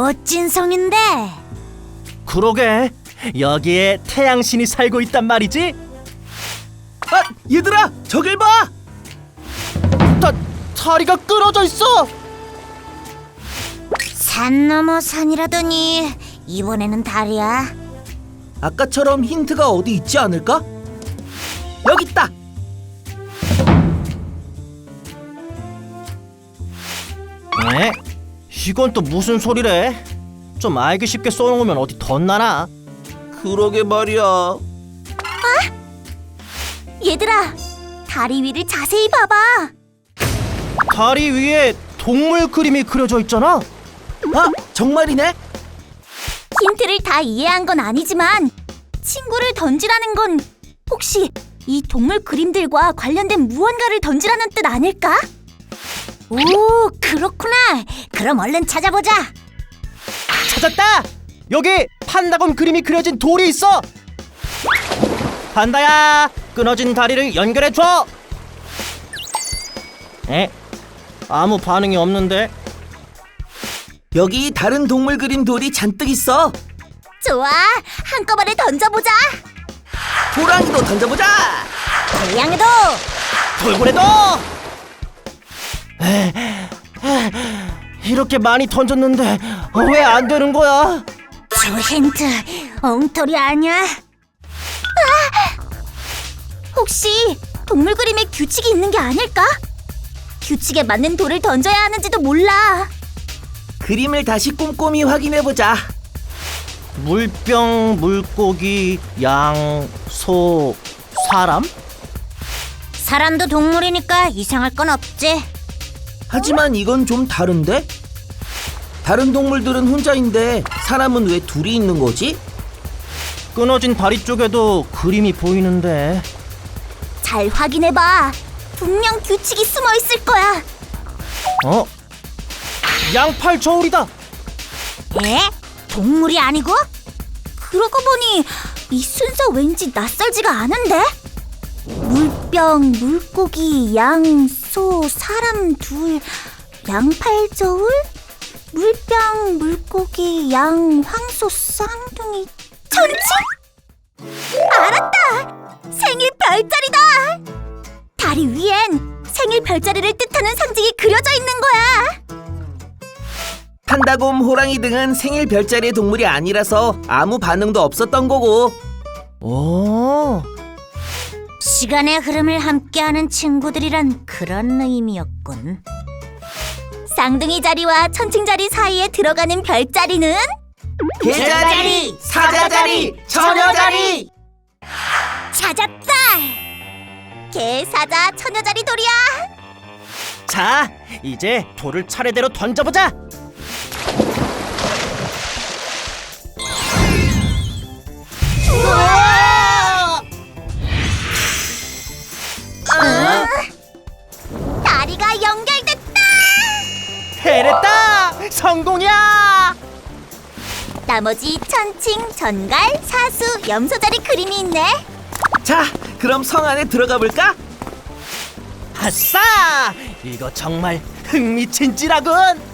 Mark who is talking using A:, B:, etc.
A: 멋진 성인데.
B: 그러게, 여기에 태양신이 살고 있단 말이지?
C: 아, 얘들아, 저길 봐!
B: 다리가 끊어져 있어!
A: 산 넘어 산이라더니 이번에는 달이야.
C: 아까처럼 힌트가 어디 있지 않을까? 여기 있다!
B: 에? 이건 또 무슨 소리래? 좀 알기 쉽게 써놓으면 어디 덧나나?
C: 그러게 말이야.
A: 얘들아, 다리 위를 자세히 봐봐.
B: 다리 위에 동물 그림이 그려져 있잖아?
C: 아, 정말이네?
A: 힌트를 다 이해한 건 아니지만 친구를 던지라는 건 혹시 이 동물 그림들과 관련된 무언가를 던지라는 뜻 아닐까? 오, 그렇구나. 그럼 얼른 찾아보자.
B: 찾았다! 여기 판다곤 그림이 그려진 돌이 있어! 판다야, 끊어진 다리를 연결해줘! 에? 아무 반응이 없는데?
C: 여기 다른 동물 그림 돌이 잔뜩 있어.
A: 좋아, 한꺼번에 던져보자.
C: 호랑이도 던져보자.
A: 태양에도.
B: 돌고래도! 이렇게 많이 던졌는데 왜 안 되는 거야?
A: 저 힌트 엉터리 아니야? 혹시 동물 그림에 규칙이 있는 게 아닐까? 규칙에 맞는 돌을 던져야 하는지도 몰라.
C: 그림을 다시 꼼꼼히 확인해보자.
B: 물병, 물고기, 양, 소, 사람?
A: 사람도 동물이니까 이상할 건 없지.
C: 하지만 이건 좀 다른데? 다른 동물들은 혼자인데 사람은 왜 둘이 있는 거지?
B: 끊어진 다리 쪽에도 그림이 보이는데.
A: 잘 확인해봐. 분명 규칙이 숨어 있을 거야.
B: 어? 양팔 저울이다!
A: 에? 동물이 아니고? 그러고 보니 이 순서 왠지 낯설지가 않은데? 물병, 물고기, 양, 소, 사람 둘, 양팔저울? 물병, 물고기, 양, 황소, 쌍둥이, 천칭? 알았다! 생일 별자리다! 다리 위엔 생일 별자리를 뜻하는 상징이 그려져 있는 거야!
C: 판다곰, 호랑이 등은 생일 별자리의 동물이 아니라서 아무 반응도 없었던 거고.
B: 오,
A: 시간의 흐름을 함께하는 친구들이란 그런 의미였군. 쌍둥이 자리와 천칭 자리 사이에 들어가는 별자리는
C: 개자리, 사자자리, 처녀자리!
A: 찾았다! 개, 사자, 처녀자리 돌이야!
B: 자, 이제 돌을 차례대로 던져보자!
A: 우와! 다리가 연결됐다!
B: 해냈다! 성공이야!
A: 나머지 천칭, 전갈, 사수, 염소자리 그림이 있네.
C: 자, 그럼 성 안에 들어가 볼까?
B: 아싸! 이거 정말 흥미진진하군!